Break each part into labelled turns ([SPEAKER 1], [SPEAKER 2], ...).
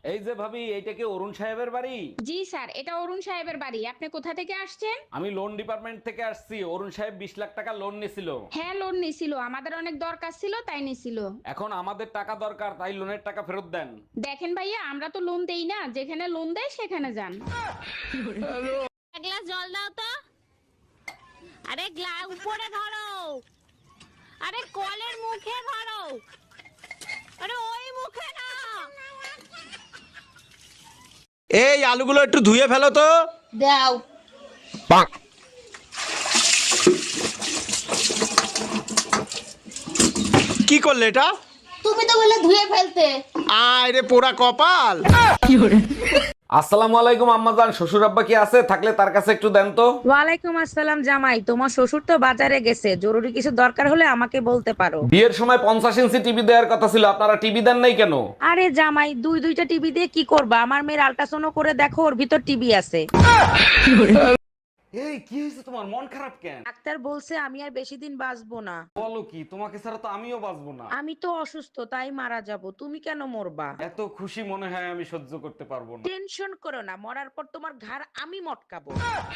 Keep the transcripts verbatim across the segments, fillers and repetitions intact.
[SPEAKER 1] এই যে ভাবি, এইটা কি অরুণ সাহেবের বাড়ি?
[SPEAKER 2] জি স্যার, এটা অরুণ সাহেবের বাড়ি। আপনি কোথা থেকে আসছেন?
[SPEAKER 1] আমি লোন ডিপার্টমেন্ট থেকে আসছি। অরুণ সাহেব বিশ লাখ টাকা লোন নিছিল।
[SPEAKER 2] হ্যাঁ, লোন নিছিল, আমাদের অনেক দরকার ছিল তাই নিছিল।
[SPEAKER 1] এখন আমাদের টাকা দরকার, তাই লোনের টাকা ফেরত দেন।
[SPEAKER 2] দেখেন ভাইয়া, আমরা তো লোন দেই না, যেখানে লোন দেয় সেখানে যান।
[SPEAKER 3] এক গ্লাস জল দাও তো। আরে গ্লাস উপরে ধরো, আরে কলের মুখে ধরো, আরে ওই মুখে না।
[SPEAKER 4] এই আলুগুলো একটু ধুয়ে ফেলো তো।
[SPEAKER 3] দাও।
[SPEAKER 4] কি করলে এটা?
[SPEAKER 3] তুমি তো বললে ধুয়ে ফেলতে।
[SPEAKER 4] আয় রে পোড়া কপাল।
[SPEAKER 1] আসসালামু আলাইকুম আম্মাজান, শ্বশুর আব্বা কি আছে? থাকলে তার কাছে একটু দেন তো।
[SPEAKER 5] ওয়ালাইকুম আসসালাম জামাই, তোমার শ্বশুর তো বাজারে গেছে, জরুরি কিছু দরকার হলে আমাকে বলতে পারো।
[SPEAKER 1] বিয়ের সময় পঞ্চাশ ইঞ্চি টিভি দেওয়ার কথা ছিল, আপনারা টিভি দেন নাই কেন?
[SPEAKER 5] আরে জামাই, দুই দুইটা টিভি দিয়ে কি করবা? আমার মেয়ের আল্ট্রাসাউন্ড করে দেখো, ওর ভিতর টিভি আছে।
[SPEAKER 1] এই কি হয়েছে তোমার? মন খারাপ কেন?
[SPEAKER 5] ডাক্তার বলছে আমি আর বেশি দিন বাঁচবো না।
[SPEAKER 1] বলো কি, তোমাকে ছাড়া তো আমিও বাঁচবো না।
[SPEAKER 5] আমি তো অসুস্থ, তাই মারা যাব, তুমি কেন মরবা?
[SPEAKER 1] এত খুশি মনে হয় আমি সহ্য করতে পারবো না।
[SPEAKER 5] টেনশন করো না, মরার পর তোমার ঘাড় আমি মটকাবো।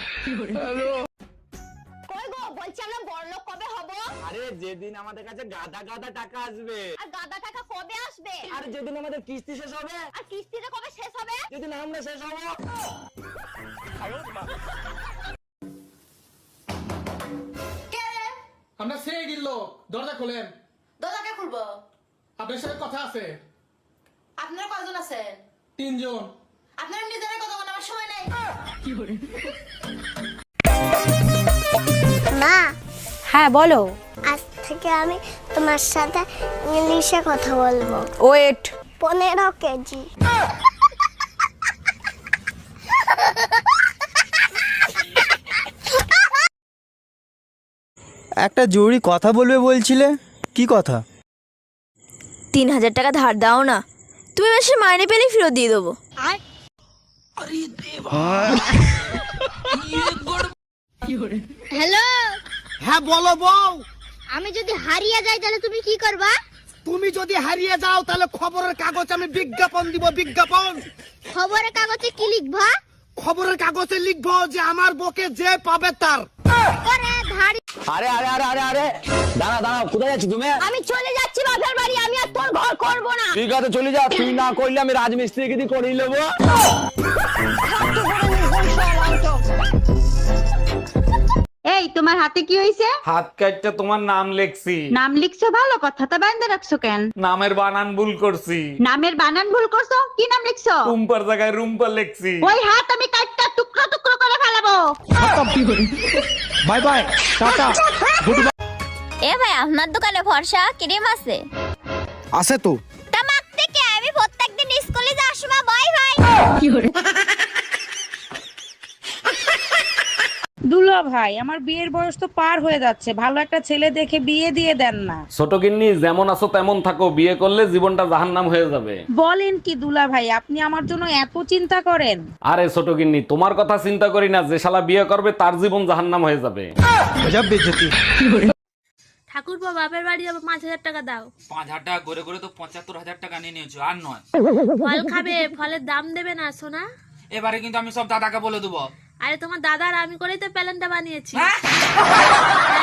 [SPEAKER 3] কই গো, বলছি আমরা বড়লোক কবে হব?
[SPEAKER 4] আরে যেদিন আমাদের কাছে গাদা গাদা টাকা আসবে।
[SPEAKER 3] আর গাদা টাকা কবে আসবে?
[SPEAKER 4] আর যেদিন আমাদের কিস্তি শেষ হবে।
[SPEAKER 3] আর কিস্তিটা কবে শেষ হবে?
[SPEAKER 4] যেদিন আমরা শেষ হবো।
[SPEAKER 6] আমরা সেই গিল্লো, দরজা খোলেন।
[SPEAKER 7] দরজাকে খুলবো?
[SPEAKER 6] আপনার সাথে কথা আছে।
[SPEAKER 7] আপনারা কয়জন আছেন?
[SPEAKER 6] তিনজন।
[SPEAKER 7] আপনারা নিজেরা কথা বলার আমার সময় নাই।
[SPEAKER 8] মা,
[SPEAKER 9] হ্যাঁ বলো।
[SPEAKER 8] আজ থেকে আমি তোমার সাথে ইংলিশে কথা বলবো।
[SPEAKER 9] ওয়েট।
[SPEAKER 8] পনেরো কেজি।
[SPEAKER 4] একটা জরুরি কথা বলবে বলছিলে, কি কথা?
[SPEAKER 9] তিন হাজার টাকা ধার দাও না, তুমি মাসে মাইনে পেলে ফেরত দিয়ে দেবো।
[SPEAKER 3] হ্যালো,
[SPEAKER 4] হ্যাঁ বলো বউ।
[SPEAKER 3] আমি যদি হারিয়ে যাই তাহলে তুমি কি করবা?
[SPEAKER 4] তুমি যদি হারিয়ে যাও তাহলে খবরের কাগজ আমি বিজ্ঞাপন দিব, বিজ্ঞাপন।
[SPEAKER 3] খবরের কাগজে কি লিখবা?
[SPEAKER 4] খবরের কাগজে লিখবো যে আমার বকে যে পাবে তার।
[SPEAKER 3] ওরে ধাড়ি।
[SPEAKER 4] আরে আরে আরে আরে আরে দাঁড়া দাঁড়া, কোথায় যাচ্ছি তুমি?
[SPEAKER 3] আমি চলে যাচ্ছি বাপের বাড়ি, আমি আর তোর ঘর করব না।
[SPEAKER 4] ঠিক আছে চলে যা, তুই না করলে আমি রাজমিস্ত্রিকে দিয়ে করিয়ে নেবো।
[SPEAKER 2] এই, তোমার হাতে কি হইছে?
[SPEAKER 1] হাত কাটটা তোমার নাম লেখছি।
[SPEAKER 2] নাম লিখছো, ভালো কথা, তা বাইন্দা রাখছো কেন?
[SPEAKER 1] নামের বানান ভুল করছি।
[SPEAKER 2] নামের বানান ভুল করছো? কি নাম লিখছো?
[SPEAKER 1] রুম্পার জায়গায় রুম্পা লেখছি।
[SPEAKER 2] ওই হাত আমি কাটটা টুকরো টুকরো করে ফেলাবো।
[SPEAKER 4] বাই বাই, টাটা।
[SPEAKER 3] এ ভাই, আপনার দোকানে ফর্সা ক্রিম আছে?
[SPEAKER 4] আছে তো।
[SPEAKER 3] তা মাখতে কে? আমি প্রত্যেকদিন স্কুলে যাওয়ার সময় বাই ভাই।
[SPEAKER 5] দুলা ভাই, আমার বিয়ের বয়স তো পার হয়ে যাচ্ছে, ভালো একটা ছেলে দেখে বিয়ে দিয়ে দেন না।
[SPEAKER 1] ছোট গিন্নি, যেমন আছো তেমন থাকো, বিয়ে করলে জীবনটা জাহান্নাম হয়ে যাবে।
[SPEAKER 5] বলেন কি দুলা ভাই, আপনি আমার জন্য এত চিন্তা করেন?
[SPEAKER 1] আরে ছোট গিন্নি, তোমার কথা চিন্তা করি না, যে শালা বিয়ে করবে তার জীবন জাহান্নাম হয়ে যাবে।
[SPEAKER 3] ঠাকুরপো, বাপের বাড়ি যাবো, পাঁচ হাজার টাকা দাও।
[SPEAKER 10] পাঁচ হাজার টাকা করে করে তো পঁচাত্তর হাজার টাকা নিয়ে নিয়েছো, আর নয়।
[SPEAKER 3] ফল খাবে, ফলের দাম দেবে না সোনা?
[SPEAKER 10] এবারে কিন্তু আমি সব দাদাকে বলে দেবো।
[SPEAKER 3] আরে তোমার দাদার আমি করেই তো প্যালেনটা বানিয়েছি।